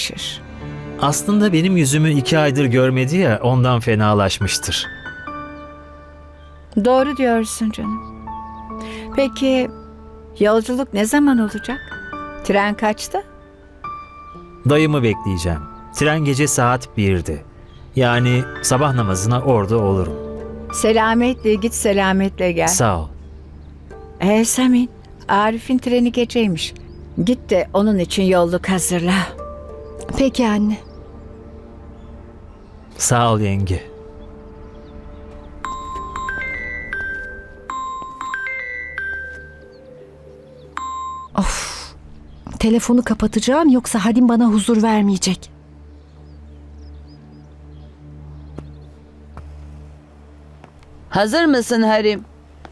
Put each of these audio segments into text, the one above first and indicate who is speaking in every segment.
Speaker 1: iyileşir.
Speaker 2: Aslında benim yüzümü 2 aydır görmedi ya, ondan fenalaşmıştır.
Speaker 1: Doğru diyorsun canım. Peki yolculuk ne zaman olacak? Tren kaçta?
Speaker 2: Dayımı bekleyeceğim. Tren gece saat 1'de. Yani sabah namazına orada olurum.
Speaker 1: Selametle git, selametle gel.
Speaker 2: Sağ ol.
Speaker 1: Samin, Arif'in treni geceymiş. Git de onun için yolluk hazırla.
Speaker 3: Peki anne.
Speaker 2: Sağ ol yenge.
Speaker 3: Telefonu kapatacağım yoksa Hadim bana huzur vermeyecek.
Speaker 4: Hazır mısın Harim?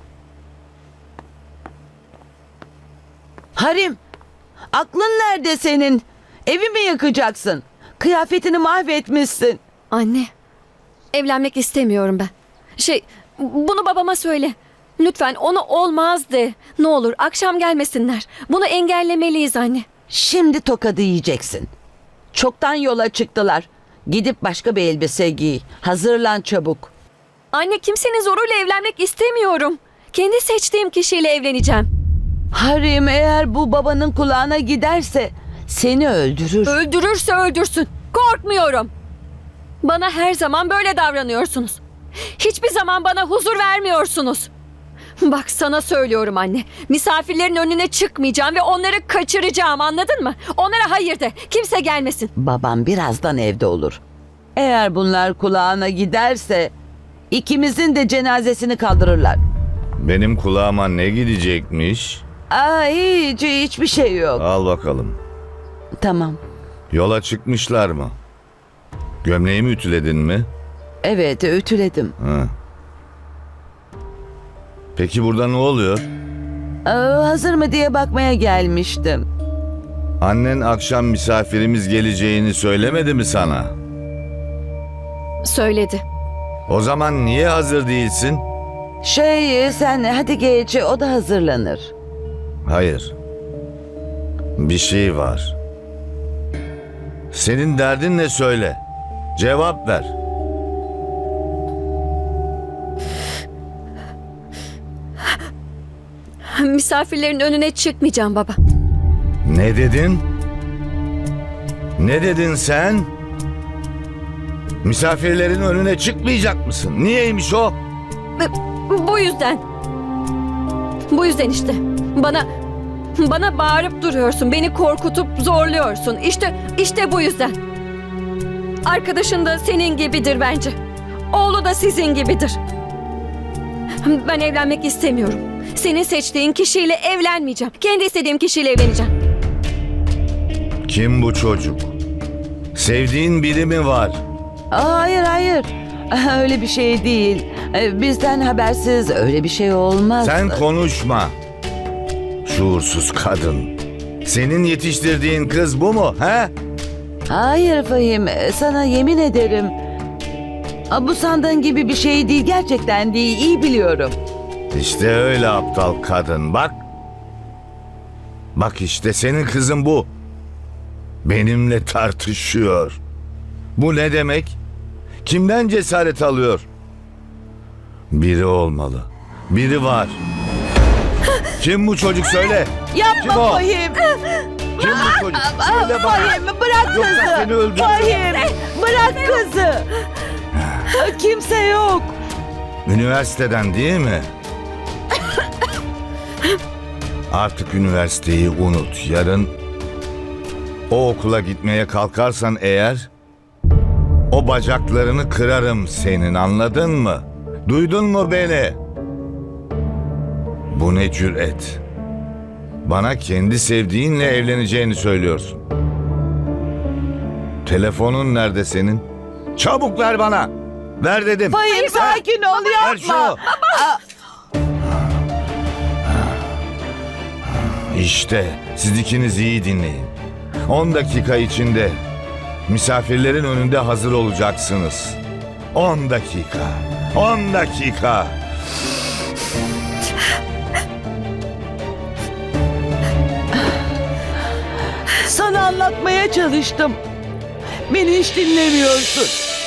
Speaker 4: Harim, aklın nerede senin? Evi mi yakacaksın? Kıyafetini mahvetmişsin.
Speaker 5: Anne, evlenmek istemiyorum ben. Bunu babama söyle. Lütfen ona olmaz de. Ne olur akşam gelmesinler. Bunu engellemeliyiz anne.
Speaker 4: Şimdi tokadı yiyeceksin. Çoktan yola çıktılar. Gidip başka bir elbise giy. Hazırlan çabuk.
Speaker 5: Anne kimsenin zoruyla evlenmek istemiyorum. Kendi seçtiğim kişiyle evleneceğim.
Speaker 4: Harim, eğer bu babanın kulağına giderse seni öldürür.
Speaker 5: Öldürürse öldürsün. Korkmuyorum. Bana her zaman böyle davranıyorsunuz. Hiçbir zaman bana huzur vermiyorsunuz. Bak sana söylüyorum anne. Misafirlerin önüne çıkmayacağım ve onları kaçıracağım, anladın mı? Onlara hayır de. Kimse gelmesin.
Speaker 4: Babam birazdan evde olur. Eğer bunlar kulağına giderse ikimizin de cenazesini kaldırırlar.
Speaker 6: Benim kulağıma ne gidecekmiş?
Speaker 4: Hiçbir şey yok.
Speaker 6: Al bakalım.
Speaker 4: Tamam.
Speaker 6: Yola çıkmışlar mı? Gömleğimi ütüledin mi?
Speaker 4: Evet, ütüledim.
Speaker 6: Ha. Peki burada ne oluyor?
Speaker 4: Hazır mı diye bakmaya gelmiştim.
Speaker 6: Annen akşam misafirimiz geleceğini söylemedi mi sana?
Speaker 5: Söyledi.
Speaker 6: O zaman niye hazır değilsin?
Speaker 4: Sen hadi geç, o da hazırlanır.
Speaker 6: Hayır. Bir şey var. Senin derdin ne söyle? Cevap ver.
Speaker 5: Misafirlerin önüne çıkmayacağım baba.
Speaker 6: Ne dedin? Ne dedin sen? Misafirlerin önüne çıkmayacak mısın? Niyeymiş o?
Speaker 5: Bu yüzden. Bu yüzden işte. Bana bağırıp duruyorsun. Beni korkutup zorluyorsun. İşte bu yüzden. Arkadaşın da senin gibidir bence. Oğlu da sizin gibidir. Ben evlenmek istemiyorum. Senin seçtiğin kişiyle evlenmeyeceğim. Kendi istediğim kişiyle evleneceğim.
Speaker 6: Kim bu çocuk? Sevdiğin biri mi var?
Speaker 4: Hayır. Öyle bir şey değil. Bizden habersiz öyle bir şey olmaz.
Speaker 6: Sen konuşma. Şuursuz kadın. Senin yetiştirdiğin kız bu mu? He?
Speaker 4: Hayır Fahim, sana yemin ederim. Bu sandığın gibi bir şey değil, gerçekten değil, iyi biliyorum.
Speaker 6: İşte öyle aptal kadın, bak. Bak işte senin kızın bu. Benimle tartışıyor. Bu ne demek? Kimden cesaret alıyor? Biri olmalı. Biri var. Kim bu çocuk söyle.
Speaker 4: Yapma
Speaker 6: Kim o?
Speaker 4: Fahim.
Speaker 6: Kim bu çocuk? Söyle bana.
Speaker 4: Fahim, bırak
Speaker 6: Yoksa
Speaker 4: kızı.
Speaker 6: seni öldürürüm.
Speaker 4: Fahim, bırak kızı. Kimse yok.
Speaker 6: Üniversiteden değil mi? Artık üniversiteyi unut. Yarın o okula gitmeye kalkarsan eğer o bacaklarını kırarım senin, anladın mı? Duydun mu beni? Bu ne cüret? Bana kendi sevdiğinle evleneceğini söylüyorsun. Telefonun nerede senin? Çabuk ver bana. Ver dedim.
Speaker 4: Fahim, sakin ol,
Speaker 6: Ver şunu.
Speaker 4: yapma.
Speaker 6: İşte siz ikiniz iyi dinleyin. 10 dakika içinde misafirlerin önünde hazır olacaksınız. 10 dakika. 10 dakika.
Speaker 4: Sana anlatmaya çalıştım. Beni hiç dinlemiyorsun.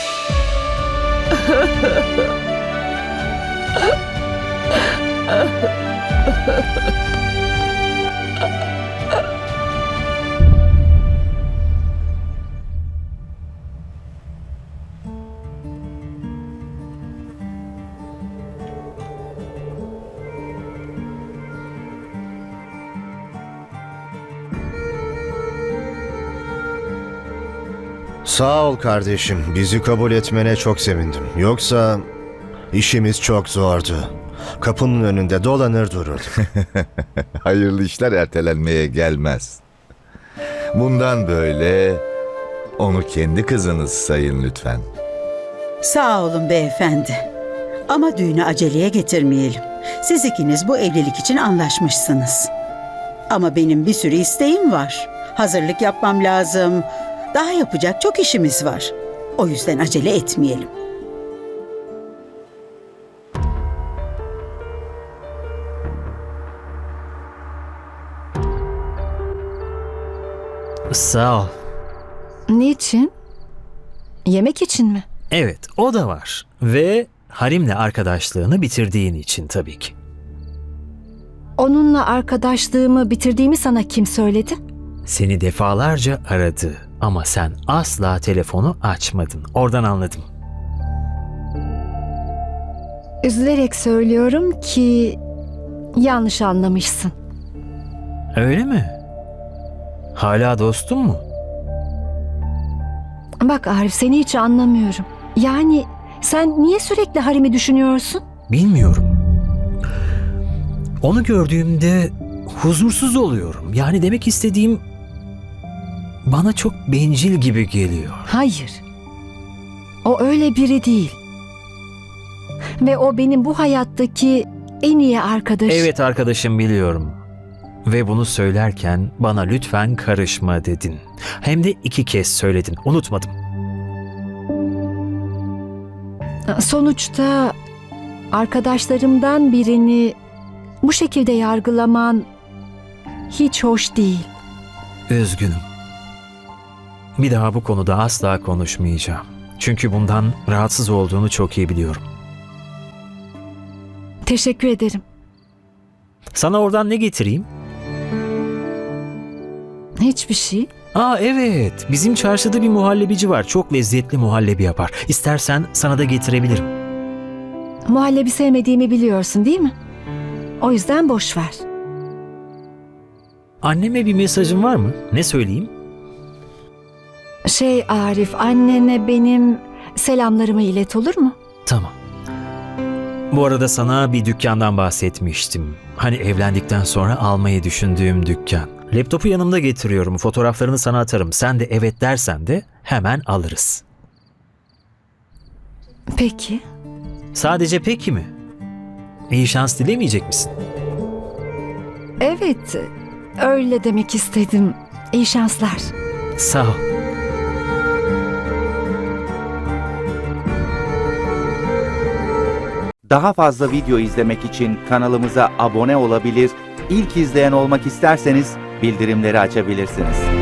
Speaker 7: Sağ ol kardeşim. Bizi kabul etmene çok sevindim. Yoksa işimiz çok zordu. Kapının önünde dolanır dururduk.
Speaker 6: Hayırlı işler ertelenmeye gelmez. Bundan böyle onu kendi kızınız sayın lütfen.
Speaker 8: Sağ olun beyefendi. Ama düğünü aceleye getirmeyelim. Siz ikiniz bu evlilik için anlaşmışsınız. Ama benim bir sürü isteğim var. Hazırlık yapmam lazım. Daha yapacak çok işimiz var. O yüzden acele etmeyelim.
Speaker 2: Sağ ol.
Speaker 3: Niçin? Yemek için mi?
Speaker 2: Evet, o da var. Ve Harim'le arkadaşlığını bitirdiğin için tabii ki.
Speaker 3: Onunla arkadaşlığımı bitirdiğimi sana kim söyledi?
Speaker 2: Seni defalarca aradı ama sen asla telefonu açmadın. Oradan anladım.
Speaker 3: Üzülerek söylüyorum ki yanlış anlamışsın.
Speaker 2: Öyle mi? Hala dostun mu?
Speaker 3: Bak Arif, seni hiç anlamıyorum. Yani sen niye sürekli Harim'i düşünüyorsun?
Speaker 2: Bilmiyorum. Onu gördüğümde huzursuz oluyorum. Yani demek istediğim bana çok bencil gibi geliyor.
Speaker 3: Hayır. O öyle biri değil. Ve o benim bu hayattaki en iyi arkadaşım.
Speaker 2: Evet arkadaşım, biliyorum. Ve bunu söylerken bana lütfen karışma dedin. Hem de 2 kez söyledin. Unutmadım.
Speaker 3: Sonuçta arkadaşlarımdan birini bu şekilde yargılaman hiç hoş değil.
Speaker 2: Üzgünüm. Bir daha bu konuda asla konuşmayacağım. Çünkü bundan rahatsız olduğunu çok iyi biliyorum.
Speaker 3: Teşekkür ederim.
Speaker 2: Sana oradan ne getireyim?
Speaker 3: Hiçbir şey.
Speaker 2: Aa evet, bizim çarşıda bir muhallebici var. Çok lezzetli muhallebi yapar. İstersen sana da getirebilirim.
Speaker 3: Muhallebi sevmediğimi biliyorsun değil mi? O yüzden boş ver.
Speaker 2: Anneme bir mesajın var mı? Ne söyleyeyim?
Speaker 3: Arif, annene benim selamlarımı ilet, olur mu?
Speaker 2: Tamam. Bu arada sana bir dükkandan bahsetmiştim. Hani evlendikten sonra almayı düşündüğüm dükkan. Laptopu yanımda getiriyorum. Fotoğraflarını sana atarım. Sen de evet dersen de hemen alırız.
Speaker 3: Peki.
Speaker 2: Sadece peki mi? İyi şans dilemeyecek misin?
Speaker 3: Evet, öyle demek istedim. İyi şanslar.
Speaker 2: Sağ ol.
Speaker 9: Daha fazla video izlemek için kanalımıza abone olabilir, ilk izleyen olmak isterseniz bildirimleri açabilirsiniz.